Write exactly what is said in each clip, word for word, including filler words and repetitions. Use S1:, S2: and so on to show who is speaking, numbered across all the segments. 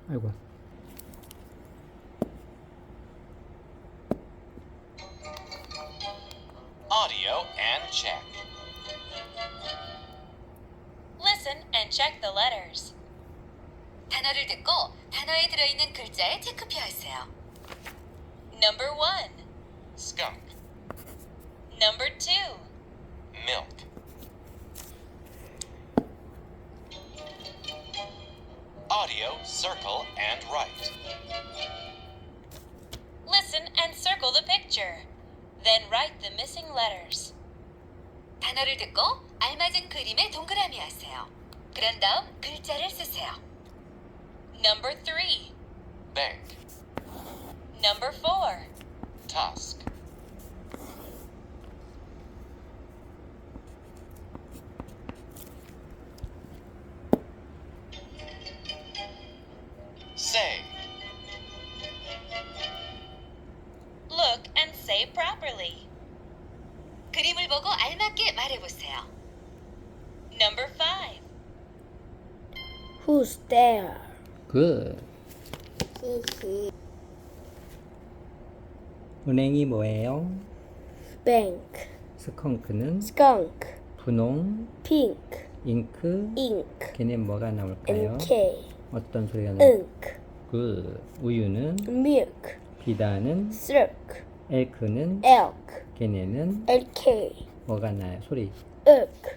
S1: 아이고.
S2: Audio and check.
S3: Listen and check the letters. 단어를 듣고 단어에 들어있는 글자에 체크표하세요. Number one,
S2: Skunk.
S3: number two,
S2: Milk. Audio, circle, and write.
S3: listen and circle the picture. Then write the missing letters. 단어를 듣고 알맞은 그림에 동그라미 하세요. 그런 다음 글자를 쓰세요. Number three,
S2: Bank.
S3: number four,
S2: Tusk. Say.
S3: look and say properly. 그림을 보고 알맞게 말해보세요. Number five,
S4: Who's there?
S1: 굿.
S4: 히히.
S1: 은행이 뭐예요?
S4: Bank.
S1: 스컹크는
S4: Skunk.
S1: 분홍,
S4: Pink.
S1: 잉크,
S4: Ink.
S1: 걔는 뭐가 나올까요?
S4: And K.
S1: 어떤 소리가 나올까요?
S4: Ink.
S1: 굿. 우유는
S4: Milk.
S1: 비다는
S4: Silk.
S1: 엘크는
S4: Elk.
S1: 걔네는
S4: Lk.
S1: 뭐가 나요? 소리.
S4: Ook.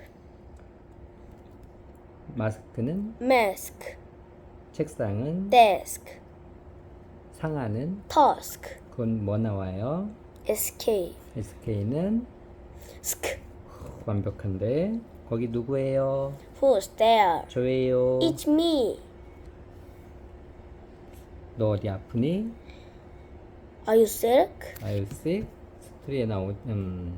S1: 마스크는
S4: Mask.
S1: 책상은
S4: Desk.
S1: 상하는
S4: Tusk.
S1: 그건 뭐 나와요?
S4: Escape.
S1: 에스케이는
S4: Sk.
S1: 완벽한데 거기 누구예요?
S4: Who's there?
S1: 저예요.
S4: It's me.
S1: 너 어디 아프니?
S4: Are you sick?
S1: Are you sick? 스토리에 나온 음.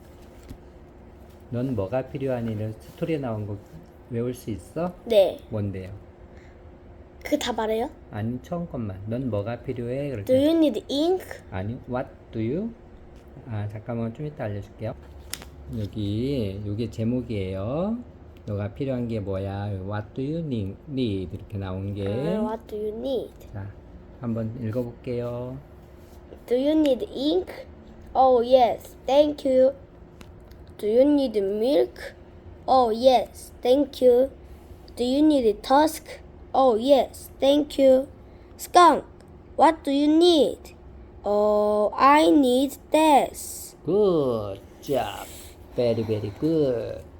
S1: 넌 뭐가 필요하니를 스토리에 나온 거 외울 수 있어?
S4: 네.
S1: 뭔데요?
S4: 그거 다 말해요?
S1: 아니 처음 것만. 넌 뭐가 필요해? 그럴
S4: Do
S1: 때.
S4: you need ink?
S1: 아니 what do you? 아 잠깐만 좀 이따 알려줄게요. 여기 요게 제목이에요. 너가 필요한 게 뭐야? What do you need? need 이렇게 나온 게.
S4: 아, what do you need?
S1: 자 한번 읽어볼게요.
S4: Do you need ink? Oh yes, thank you. Do you need milk? Oh yes, thank you. Do you need tusk? Oh yes, thank you. Skunk, what do you need? Oh, I need this.
S1: Good job. Very very good.